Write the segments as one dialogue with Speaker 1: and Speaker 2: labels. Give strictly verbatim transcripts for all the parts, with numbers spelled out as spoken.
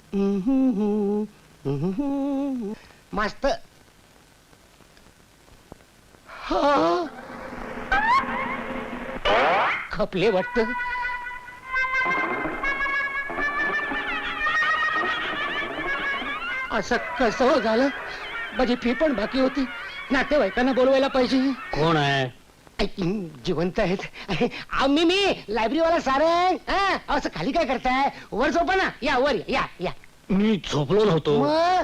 Speaker 1: मस्त. खपले वाटत. असं कसं हो झालं? माझी फी पण बाकी होती. नातेवाईकांना बोलवायला पाहिजे.
Speaker 2: कोण आहे?
Speaker 1: जिवंत आहेत. मी मी लायब्ररीवाला सारंग. हा, असं खाली काय करताय? वर झोपा ना. या वर या या.
Speaker 2: मी झोपलो नव्हतो.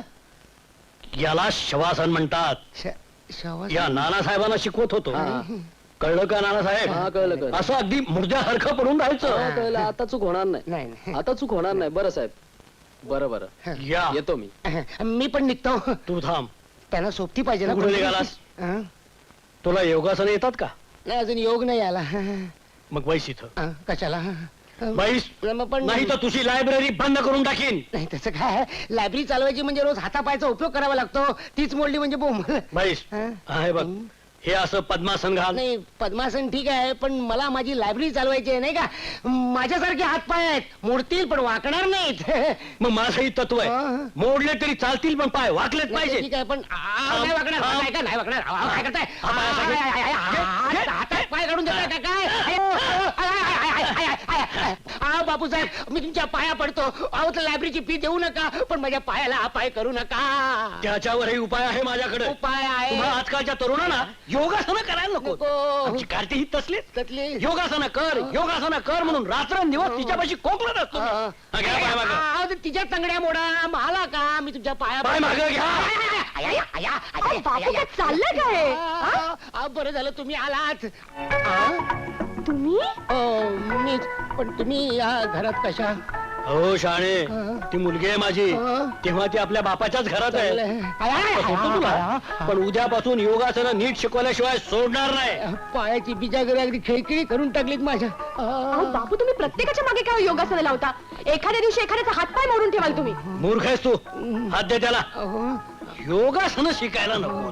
Speaker 1: मग
Speaker 2: याला शवासन म्हणतात.
Speaker 1: श- शवा-
Speaker 2: या नानासाहेबांना शिकवत होतो. कळलं का नानासाहेब?
Speaker 3: हा, कळलं, कळलं.
Speaker 2: असं अगदी मुर्द्यासारखं पडून राहायचं.
Speaker 3: हा, कळलं. आता चूक होणार नाही.
Speaker 1: नाही नाही.
Speaker 3: आता चूक होणार नाही. बरं साहेब, बरं बरं
Speaker 2: या
Speaker 3: येतो मी.
Speaker 1: मी पण निघतो.
Speaker 2: तू थांब.
Speaker 1: त्यांना सोबती पाहिजे ना.
Speaker 2: कुठे निघालास?
Speaker 1: हा?
Speaker 2: तुला योगासन येतात का?
Speaker 1: नाही, अजून योग नाही आला.
Speaker 2: मग बैस इथं.
Speaker 1: हा, कशाला?
Speaker 2: बैस.
Speaker 1: मग पण
Speaker 2: नाही तर तुझी लायब्ररी बंद करून टाकीन.
Speaker 1: नाही, तसं काय. लायब्ररी चालवायची म्हणजे रोज हातापायचा उपयोग करावा लागतो. तीच मोडली म्हणजे बोंबल.
Speaker 2: बैस.
Speaker 1: हा?
Speaker 2: आहे बघ, हे असं पद्मासन घाल.
Speaker 1: नाही, पद्मासन ठीक आहे, पण मला माझी लायब्ररी चालवायची आहे, नाही का? माझ्यासारखे हातपाय आहेत, मोडतील पण वाकणार नाहीत.
Speaker 2: मग माझंही तत्व आहे.
Speaker 1: हा.
Speaker 2: मोडले तरी चालतील पण पाय वाकलेच
Speaker 1: नाही,
Speaker 2: पाहिजे.
Speaker 1: ठीक आहे, पण आ, नाही वाकणार.
Speaker 2: थांब.
Speaker 1: काय का नाही वाकणार? आ, काय करताय?
Speaker 2: हा, पाय असा घे.
Speaker 1: आय, आय, आय, आय, हात- हातात पाय काढून देताय का काय? आय, आय, आय, आय, आय, आय, आय. आ, बापूसाहेब, मी तुमच्या पाया पडतो. अहो, तर लायब्ररीची फी देऊ नका, पण माझ्या पायाला अपाय करू नका.
Speaker 2: त्याच्यावरही उपाय आहे माझ्याकडे.
Speaker 1: उपाय आहे.
Speaker 2: तुम्हा आजकालच्या तरुणांना योगासनं करायला नको.
Speaker 1: नको.
Speaker 2: आमची कार्ती ही तसलीच.
Speaker 1: त्यातली
Speaker 2: योगासनं कर, योगासनं कर म्हणून रात्रंदिवस तिच्यापाशी कोकलत असतो.
Speaker 1: हा.
Speaker 2: हा, घ्या पाय मागं.
Speaker 1: अहो, ते तिच्या तंगड्या मोडा. मला का? मी तुमच्या पाया
Speaker 2: पाय मागं घ्या.
Speaker 1: आय, आय, आय, आय, आय,
Speaker 4: अहो, बापू, काय चाललंय काय?
Speaker 1: आ, आ, बरं झालं तुम्ही आलात. आ?
Speaker 4: तुम्ही
Speaker 1: ओ, मीच. पण तुम्ही या घरात कशा?
Speaker 2: हो शाणे,
Speaker 1: हा.
Speaker 2: ती मुलगी आहे माझी.
Speaker 1: हा.
Speaker 2: तेव्हा ती आपल्या बापाच्याच घरात आहे.
Speaker 1: चांगलं आहे. आय, आय,
Speaker 2: आता सोडतो तुला.
Speaker 1: आय,
Speaker 2: पण उद्यापासून योगासनं नीट शिकवल्याशिवाय सोडणार नाही.
Speaker 1: आय. पायाची बिजागरी अगदी खिळखिळी करून टाकलीत माझ्या.
Speaker 4: अहो
Speaker 1: आ.
Speaker 4: बापू, तुम्ही प्रत्येकाच्या मागे काय योगासनं लावता? एखाद्या दिवशी एखाद्याचा हातपाय मोडून ठेवाल तुम्ही.
Speaker 2: मूर्ख आहेस तू. हात दे त्याला.
Speaker 1: अहो,
Speaker 2: योगासनं शिकायला नको.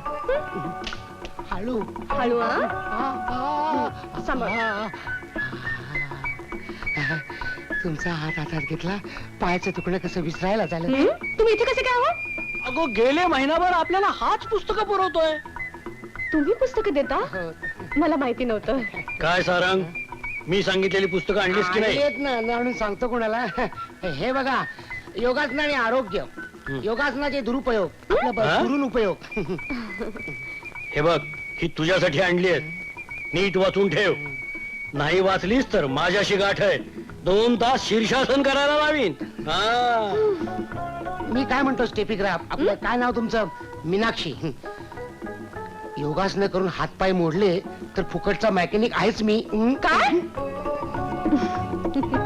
Speaker 1: हळू.
Speaker 4: हळू हा?
Speaker 1: आ, आ,
Speaker 4: सांभाळ.
Speaker 1: आ. तुमचा हात हातात घेतला, पायाचं तुकडं कसं विसरायला झालं.
Speaker 4: हं? तुम्ही इथे कसे काय हो?
Speaker 2: अगो गेले महिनाभर आपल्याला हाच पुस्तकं पुरवतोय.
Speaker 4: तुम्ही पुस्तकं देता?
Speaker 1: हो.
Speaker 4: मला माहिती नव्हतं.
Speaker 2: काय सारंग, मी सांगितलेली पुस्तकं आणलीस की नाही?
Speaker 1: येत ना म्हणून सांगतो कोणाला. हे बघा, योगासन आणि आरोग्य, योगासनाचे दुरुपयोग, आपला ब-
Speaker 2: हा?
Speaker 1: दुरून उपयोग.
Speaker 2: हे बघ, ही तुझ्यासाठी आणली आहेत. नीट वाचून ठेव. नाही वाचलीस तर माझ्याशी गाठ आहे. दोन तास शीर्षासन करायला लावीन. हा.
Speaker 1: मी काय म्हणतो स्टेपिग्राफ, आपलं काय नाव तुमचं? मीनाक्षी. योगासनं करून हातपाय मोडले तर फुकटचा मेकॅनिक आहेच मी. हं?
Speaker 4: काय?